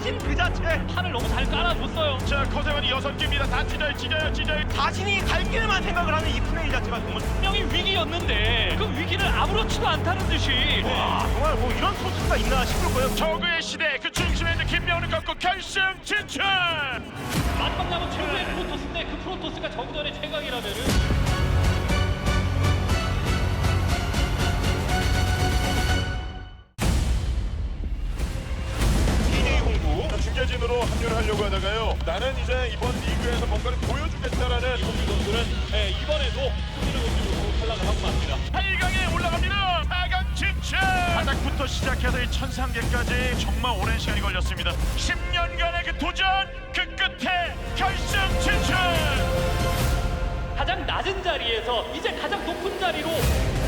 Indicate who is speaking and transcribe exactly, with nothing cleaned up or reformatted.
Speaker 1: 자신 그 자체
Speaker 2: 판을 너무 잘 깔아줬어요.
Speaker 3: 자, 커세원이 여섯 개입니다. 다 찢어요, 찢어요, 찢어요.
Speaker 1: 자신이 갈 길만 생각을 하는 이 플레이 자체가 정말
Speaker 2: 분명히 위기였는데 그 위기를 아무렇지도 않다는 듯이
Speaker 1: 와 정말 뭐 이런 선수가 있나 싶을 거예요.
Speaker 3: 저그의 시대 그 중심에 있는 김명훈을 꺾고 결승 진출.
Speaker 2: 마지막 남은 최고의 프로토스인데 그 프로토스가 정전의 최강이라면은
Speaker 3: 이대이 홍구 중계진으로 합류를 하려고 하다가요. 나는 이제 이번 리그에서 뭔가를 보여주겠다라는
Speaker 2: 이홍규 선수는 예, 이번에도 승리를 거두고 탈락을 하고 맙니다.
Speaker 3: 팔 강에 올라갑니다. 사 강 진출. 바닥부터 시작해서 이 천상계까지 정말 오랜 시간이 걸렸습니다. 십 년간의 그 도전 그 끝에 결승 진출.
Speaker 2: 가장 낮은 자리에서 이제 가장 높은 자리로